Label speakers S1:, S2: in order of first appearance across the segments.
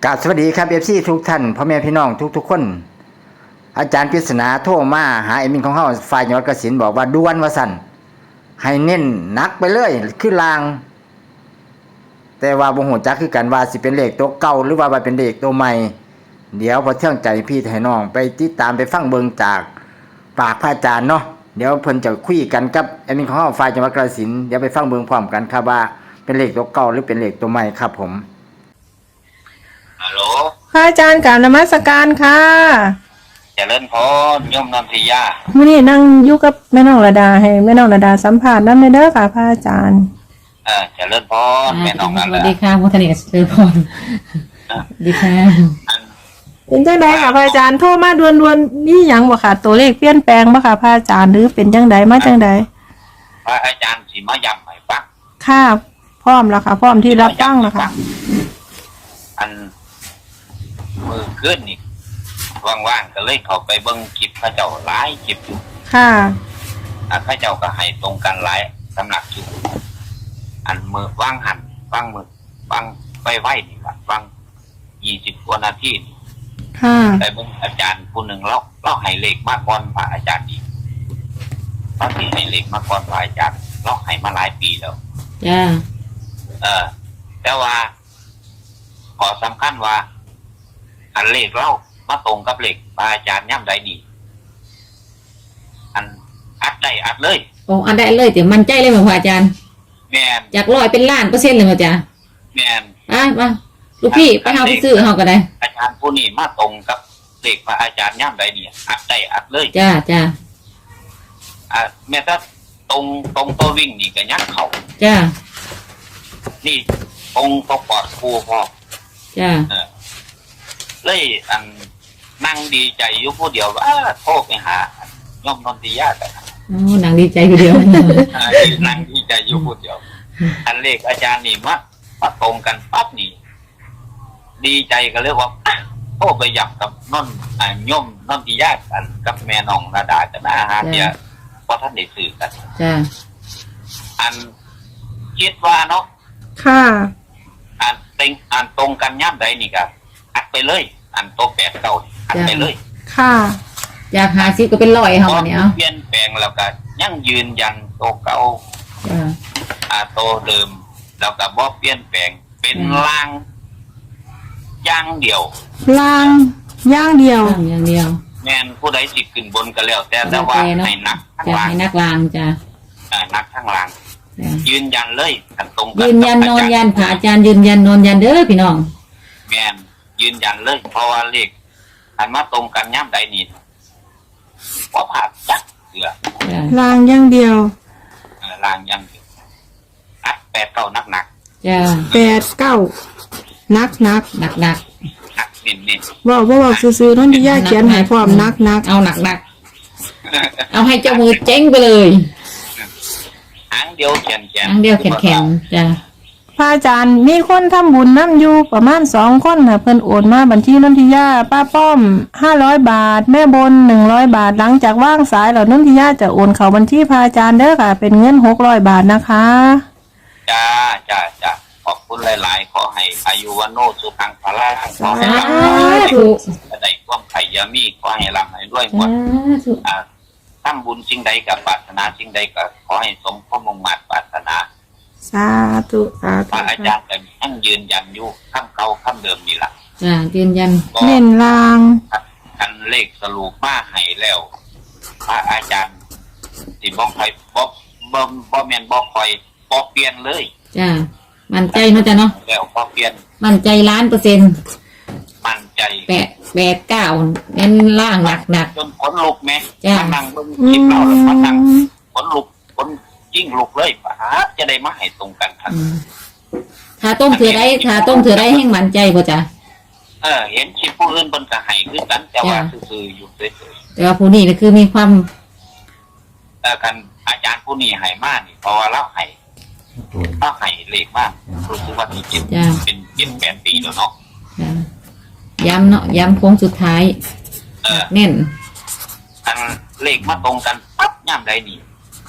S1: กราบสวัสดีครับFCทุกท่านพ่อแม่พี่น้องทุกคนอาจารย์ปริศนาโทรมาหาเอมินของเฮาฝ่ายจังหวัดกสิณบอกว่าด่วนว่าสั่นให้เน้นหนักไปเลยคือลางแต่ว่าบ่ฮู้จักคือกันว่าสิเป็นเลขตัวเก่าหรือว่าเป็นเลขตัวใหม่เดี๋ยวพอเที่ยงใจพี่ให้น้องไปติดตามไปฟังเบิ่งจากปากพระอาจารย์เนาะเดี๋ยวเพิ่นจะคุยกันกับเอมินของเฮาฝ่ายจังหวัดกสิณเดี๋ยวไปฟังเบิ่งพร้อมกันครับว่าเป็นเลขตัวเก่าหรือเป็นเลขตัวใหม่ครับผม
S2: ฮัลโหล
S3: พระอาจารย์กราบนมัสการค่ะ
S2: เจริญพรโยมนนทิยา
S3: มื้อนี้นั่งอยู่กับแม่น้องระดาให้แม่น้องระดาสัมภาษณ์นำเด้อค่ะพระอาจารย์
S2: เจริญพรแม่น้องนั่นแหละ
S4: สวัสดีค่ะพุทธเนศเจริญพรดีค่ะ
S3: เป็นจังไดค่ะพระอาจารย์โทรมาด่วนๆนี่หยังบ่ค่ะตัวเลขเปลี่ยนแปลงบ่ค่ะพระอาจารย์หรือเป็นจังไดมาจังได
S2: พระอาจารย์สิมาย้ำให้ฟัง
S3: ค่ะพร้อมแล้วค่ะพร้อมที่รับฟังแล้วค่ะ
S2: อันมือขึ้นนี่ว่างๆก็เลยเข้าไปเบิ่งคลิปพระเจ้าหลายคลิปอยู่
S3: ค่ะ
S2: พระเจ้าก็ให้ตรงกันหลายสำนักอยู่อันมือว่างหันฟังมือฟังไปไว้นี่ครับฟัง20 กว่านาที
S3: ค่ะ
S2: แต่เบิ่งอาจารย์ผู้หนึ่งเราให้เลขมาก่อนพระอาจารย์อีกบางทีให้เลขมาก่อนพระอาจารย์เราให้มาหลายปีแล้ว
S4: จ้า
S2: แต่ว่าขอสำคัญว่าอันเลขเรามาตรงกับเลขพระอาจารย์ย่ำใดนี่อันอัดได้อัดเลย
S4: โอ้อันได้เลยเดี๋ยวมันใจเลยมั้งพระอาจารย์
S2: แม่น
S4: จาก100เป็นล้าน%เลยมั้งจ้า
S2: แม่น
S4: มาลูกพี่ไปเฮาไปซื้อเฮาก็ได้
S2: อาจารย์ผู้นี้มาตรงกับเลขพระอาจารย์ย่ำใดนี่อัดได้อัดเลย
S4: จ้า
S2: แม้แต่ตรงตัววิ่งนี่ก็ยักเขา
S4: จ้า
S2: นี่ตรงตัวปอดคูพอ
S4: จ้า
S2: เลยอันนั่งดีใจอยู่ผู้เดียวว่าโทรไปหาโยมนนทิยาแต่
S4: นั่งดีใจอยู่เดียว
S2: นั่งดีใจอยู่ผู้เดียวอันเลขอาจารย์นี่มาตรงกันปั๊บนี่ดีใจก็เลยว่าโทรไปย้ำกับโยมนนทิยากันกับแม่น้องระดากันนะฮะเนี่ยเพราะท่านได้สื่อกัน
S4: จ้า
S2: อันคิดว่าเนาะ
S3: ค่ะ
S2: อันตรงกันย่ำใดนี่ครับอัดไปเลยอันโต8 9อัดไปเลย
S3: ค่ะ
S4: อยาก50ก็เป็น100เฮาเนี่ย
S2: เปลี่ยนแปลงแล้วก็ยังยืนยันโตเก่าโตเดิมแล้วก็บ่เปลี่ยนแปลงเป็นลางอย่างเดียว
S3: ลางอย่างเดียว
S2: แม่นผู้ใดสิขึ้นบนก็แล้วแต่ว่าให้นัก
S4: ข้างล่างให้นักลางจ้ะ
S2: นักข้างล่างยืนยันเลยกันตรงกัน
S4: ยืนยันนอนยันพระอาจารย์ยืนยันนอนยันเด้อพี่น้อง
S2: แม่นยืนยันเลยเพราะว่าเลขอันมาตรงกันย่ำใดนี่ว่าผ่านจักเสือ
S3: ลางอย่างเดียว
S2: ลางอย่างเดียวอัด8 9หนัก
S4: จ้
S3: า8 9นัก
S2: เน้น
S3: ว่าซื้อๆนั่นที่ย่าเขียนให้พร้อมนัก
S4: เอาหนักเอาให้เจ้ามือเจ๊งไปเลย
S2: หางเดียวแข็ง
S4: จ้ะ
S3: พระอาจารย์มีคนทำบุญน้ำอยู่ประมาณ2 คนค่ะเพิ่นโอนมาบัญชีนนทิยาป้าป้อม500 บาทแม่บน100 บาทหลังจากว่างสายแล้วนนทิยาจะโอนเข้าบัญชีพระอาจารย์เด้อค่ะเป็นเงิน600 บาทนะคะ
S2: จ้าขอบคุณหลายๆขอให้อายุวันโนสุขังพละขอให้ร่ำได้ความไข่ยามีขอให้ร่ำให้ด้วยหมดทำบุญสิ่งใดกับปรารถนาสิ่งใดก็ขอให้สมความมุ่งมั่นปรารถนา
S3: สาธุ
S2: พระอาจารย์ก็ยังยืนยันอยู่คำเก่าคำเดิมนี่แหละ
S4: ยืนยัน
S3: เน้นลาง
S2: กันเลขสรุปมาให้แล้วพระอาจารย์สิบอกใครบ่แม่นบ่คอยบ่เปลี่ยนเลย
S4: จ้ามั่นใจเนาะจ้ะเนาะ
S2: แล้วบ่เปลี่ยน
S4: มั่นใจ1,000,000%
S2: มั่นใจ
S4: 8 9เน้นล่างหนัก
S2: จนขนลุกแม่มานั่งเบิ่งคลิปเราแล้วมานั่งขนลุกยิ่งลุกเลยป่ะจะได้มาให้ตรงกันครับ
S4: ถ้าต้มเถื่อได้แห้งมั่นใจบ่จ้ะ
S2: เห็นคลิปผู้อื่นเพิ่นก็ให้คือกันแต่ว่าซื่อๆอยู่เฉย
S4: ๆแต่ว่าผู้นี้ก็คือมีความ
S2: กันอาจารย์ผู้นี้ให้มานี่เพราะว่าเราให้เลขมากรู้สึกว่าที่เป็น8 ปีแล้วเนาะ
S4: ย้ำโค้งสุดท้ายเน้น
S2: อันเลขมาตรงกันปั๊บย่ำใดนี่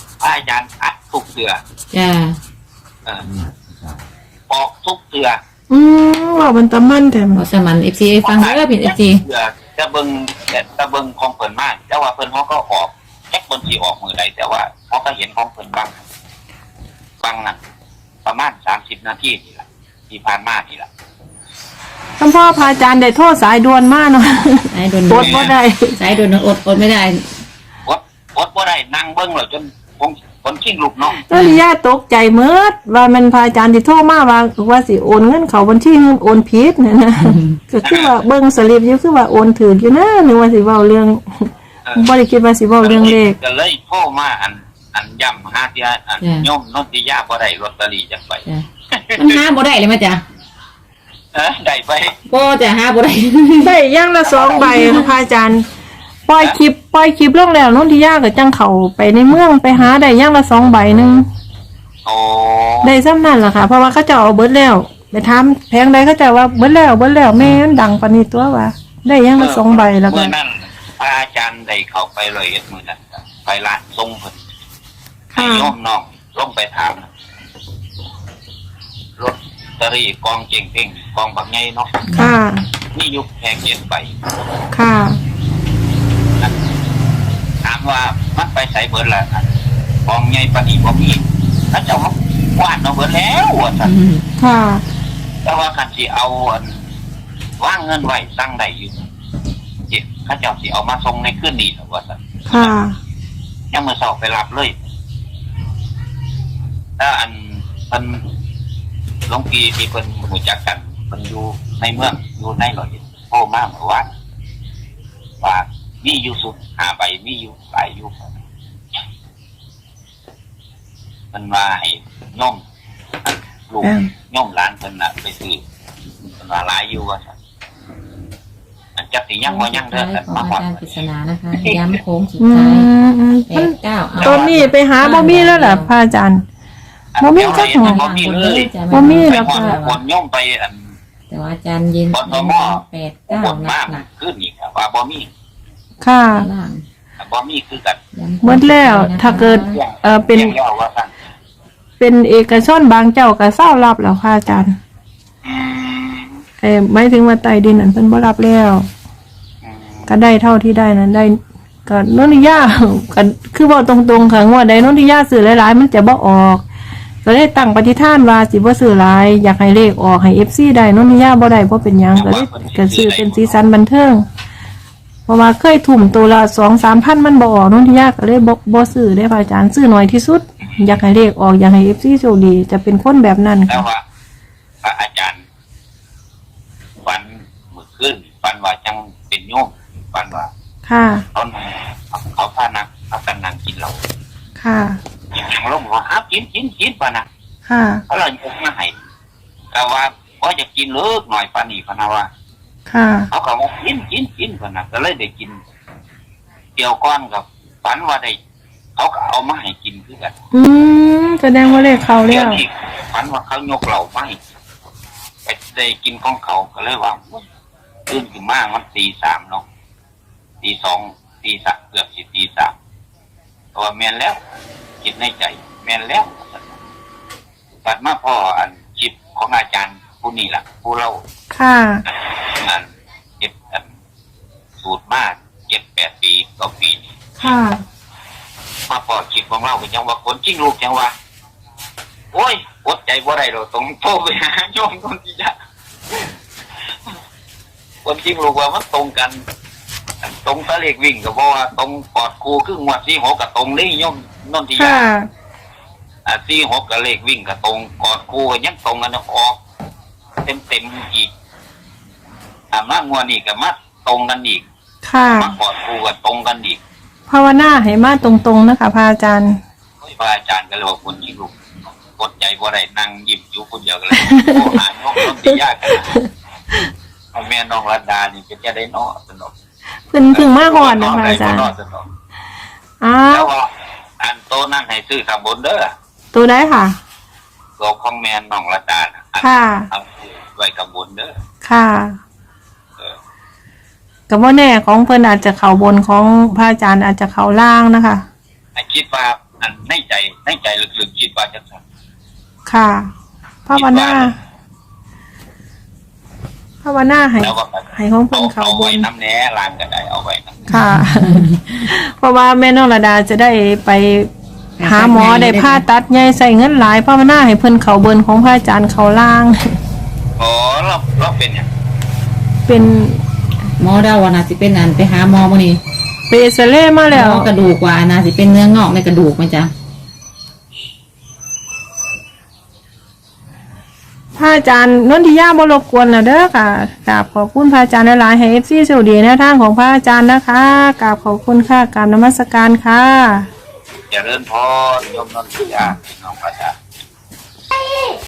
S2: อาจารย์อัดทุกเสือออกทุกเสือ
S3: ว่ามันตะมันแต่
S4: บอกสมัน FC ฟังเด้อพี่ FC
S2: จะเบิ่งของเพิ่นมากแต่ว่าเพิ่นเขาก็ออกแค่คนสิออกมือใดแต่ว่าเขาก็เห็นของเพิ่นบ้างน่ะประมาณ30นาทีนี่ล่ะที่ผ่านมานี่ล่ะ
S3: ท่านพ่อพระอาจารย์ได้โทษสายด่วนมากเนาะ
S4: สายโดน
S3: อดบ่ได้
S4: สายโดนอดไม่ได้
S2: อดบ่ได้นั่งเบิ่งแล้วจนคนชิงลูกเนาะ
S3: นนทิยาตกใจเมิดว่ามันพระอาจารย์ที่โทรมาว่าสิโอนเงินเขาบัญชีเงินโอนผิดเนี่ยนะก็คือว่าเบิ่งสลิปอยู่คือว่าโอนถืออยู่นะนึกว่าสิเว้าเรื่องบ่ได้คิดว่าสิเว้าเรื่องเลข
S2: ก็เลยโทรมาอันย่ำหาเที่ยโยมนนทิยาบ่ได้ลอตเตอรี่จังไป
S4: จ้ะมันหาบ่ได้เลยมั้ยจ้ะ
S2: ได้ไป
S4: บ่จะหาบ่ได้
S3: ได้อย่างละ2ใบค่ะพระอาจารย์ปล่อยคลิปลงแล้วนนทิยาก็จังเข้าไปในเมืองไปหาได้อย่างละ2ใบนึง
S2: โอ้
S3: ได้ซ้ำนั่นล่ะค่ะเพราะว่าเขาจะเอาเบิดแล้วไปถามแพงใดเขาจะว่าเบิดแล้วแม่มันดังปานนี้ตัวว่าได้อย่างละ2ใบแล้วก็
S2: เมื่อนั้นพระอาจารย์ได้เข้าไปเลยมื้อนั้นไปร้านทรงเพิ่นให้โยมน้องลงไปถามลอตเตอรี่กองเก่งเพ่งกองบักใหญ่เนาะ
S3: ค่ะ
S2: นี่ยุคแพงเย็นไป
S3: ค่ะ
S2: ถามว่ามันไปใส่เบิดละกองใหญ่ปานนี้บ่มีถ้าเจ้าวาดเอาเบิดแล้วว่าซั่น
S3: ค่ะ
S2: แต่ว่าคันสิเอาวางเงินไว้ตั้งได้อยู่เจ็บเขาเจ้าสิเอามาส่งในคืนนี้ว่าซั่น
S3: ค่ะ
S2: ยังมื้อเช้าไปรับเลยถ้าอันเพิ่นหลวงพี่ที่เพิ่นรู้จักกันเพิ่นอยู่ในเมืองอยู่ในร้อยเอ็ดโทรมาเมื่อวานว่ามีอยู่สุด5ใบมีอยู่หลายอยู่มันว่าให้โยมลูกโยมหลานเพิ่นน่ะไปซื้อเพิ่นว่าหลายอยู่ว่าซั่นอันจักสิยังบ่ยังเด้อ
S4: ข
S2: แต่
S4: อง
S2: มา
S4: อา
S2: ฮอด
S4: จารย์ปริศนานะคะย้ำโค้งสุด
S3: อื
S4: ท้าย
S3: มัน
S4: 89
S3: ตอนนี้ไปหาบ่มีแล้วล่ะพระอาจารย์ บ่มีจักหน่อย
S2: บ่มีเลย
S3: บ่มี
S2: ไป
S3: แล้ว
S2: ฮอด
S3: ค่ะ
S2: คนโยมไปอัน
S4: แต่ว่าอาจารย์ยิน
S2: บสม
S4: 89
S2: บน
S4: ห
S2: มาก
S4: นัก
S2: ขึ้นอีกว่าบ่มี
S3: ค่ะ
S4: ๆล่าง
S2: บ่มีคือกัน
S3: หมดแล้วถ้าเกิดเป็น
S2: รียกย่อว่าซั่น
S3: เป็นเอกชนบางเจ้าก็เศร้ารับแล้วค่ะอาจารย์หมายถึงว่าใต้ดินนั่นเพิ่นบ่รับแล้วก็ได้เท่าที่ได้นั้นได้ก็นนทิยาก็คือบอกตรงๆค่ะงวดใดนนทิยาซื้อหลายๆมันจะบ่ออกก็ได้ตั้งปฏิฐานว่าสิบ่ซื้อหลายอยากให้เลขออกให้ FC ได้นนทิยาบ่ได้บ่เป็นหยังก็เลยก็ซื้อเป็นสีสันบันเทิงเพราะว่าเคยทุ่มตัวละ 2-3 พันมันบ่ออกนนทิยาก็เลยบ่ซื้อได้พระอาจารย์ซื้อน้อยที่สุดอยากให้เลขออกอยากให้ FC โชคดีจะเป็นคนแบบนั้น
S2: แล้ว
S3: ค่ะ
S2: ว่าพระอาจารย์ฝันเมื่อคืนฝันว่าจังเป็นโยมฝันว่า
S3: ค่ะ
S2: เขาพานักพากันนั่งกินเหล้า
S3: ค่ะ
S2: อย่างลงว่าอ้าวกินป่ะนะ
S3: ค่ะ
S2: เขาเลยยกมาให้แต่ว่าพอจะกินเลิกหน่อยปานนี้พะนะว่า
S3: ค่ะ
S2: เขาก็ว่ากินป่ะนะก็เลยได้กินเกี่ยวก้อนกับฝันว่าได้เขาก็เอามาให้กินคือกัน
S3: แสดงว่าเลขเขาแล้
S2: เดี๋ยว
S3: ว
S2: นี้ฝันว่าเขายกเหล้ามาให้ไปได้กินของเขาก็เลยว่าตื่นขึ้นมามัน3:00เนาะ2:00 3:00เกือบสิ3:00ตัวแม่นแล้วคิดในใจแม่นแล้วบัดมาพ่ออันจิตของอาจารย์ผู้นี้ล่ะผู้เล่า
S3: ค่ะ
S2: อันเก็บอันสูตรมาก7-8 ปีต่อปีนี่
S3: ค่ะ
S2: มาพ่อจิตของเราก็ยังว่าคนจริงลูกยังว่าโอ้ยอดใจบ่ได้หรอกต้องโทรไปหาโยมคนที่จะคนจริงลูกว่ามันตรงกันตรงตะเลขวิ่งก็เพราะว่าตรงกอดครูครึ่งวัด46กับตรงนี้โยมนนทิยา
S3: ค่ะ
S2: 46กับเลขวิ่งกับตรงกอดครูก็ยังตรงกันออกเต็มอีกมางวดนี้ก็มาตรงกันอีก
S3: ค่ะ
S2: มากอดครูก็ตรงกันอีก
S3: ภาวนาให้มาตรงๆนะคะพระอาจารย์
S2: พระอาจารย์ก็เลยว่าคนจริงลูกกดใจบ่ได้นั่งยิ้มอยู่คนเดียวกันเลยโอ้หาน้องนนทิยากันเอาแม่น้องรัตดานี่เป็นจะได้เนาะสนุก
S3: เพิ่งมาหอดนะคะอาจารย์ อ้า
S2: แล้ว วก็อันโตนั่นให้ซื้อข้างบนเด้อ
S3: ตัวได้ค่ะ
S2: ตัวของแม่น้องรัตดาน่ะ
S3: ค่ะ
S2: เอาไว้ข้างบนเด้อ
S3: ค่ะกับว่าแน่ของเพิ่นอาจจะเข่าบนของพระอาจารย์อาจจะเข่าล่างนะคะ
S2: คิดว่าอันในใจลึกๆคิดว่าจะสั่น
S3: ค่ะภาวนาภาวนาให้
S2: แล้วก็
S3: ให้ของเพิ่นเขา
S2: เอา
S3: บ
S2: ไว้
S3: น
S2: น้ำแหน่ลานก็ได้เอาไว้น้ำ
S3: ค่ะ เพราะว่าแม่น้องระดาจะได้ไปหาหมอได้ผ่าตัดใหญ่ใส่เงินหลายภาวนาให้เพิ่นเขาเบินของพระอาจารย์เขาล่าง
S2: อ๋อเราเป็นอย่าง
S3: เป็น
S4: หมอเดาว่าน่าสิเป็นอันไปหาหมอมื้อนี้
S3: เปเซเล่มาแล้ว
S4: หมอกระดูกว่าน่าสิเป็นเนื้องอกในกระดูกมั้ยจ๊ะ
S3: พระอาจารย์นนทิยาบ่รบกวนแล้วเด้อค่ะกราบขอบคุณพระอาจารย์หลายๆให้ FC โชคดีแนวทางของพระอาจารย์นะคะกราบขอบคุณค่ะกราบนมัสการค่ะ
S2: เจริญพรยมนนทิยาพี่น้องประชา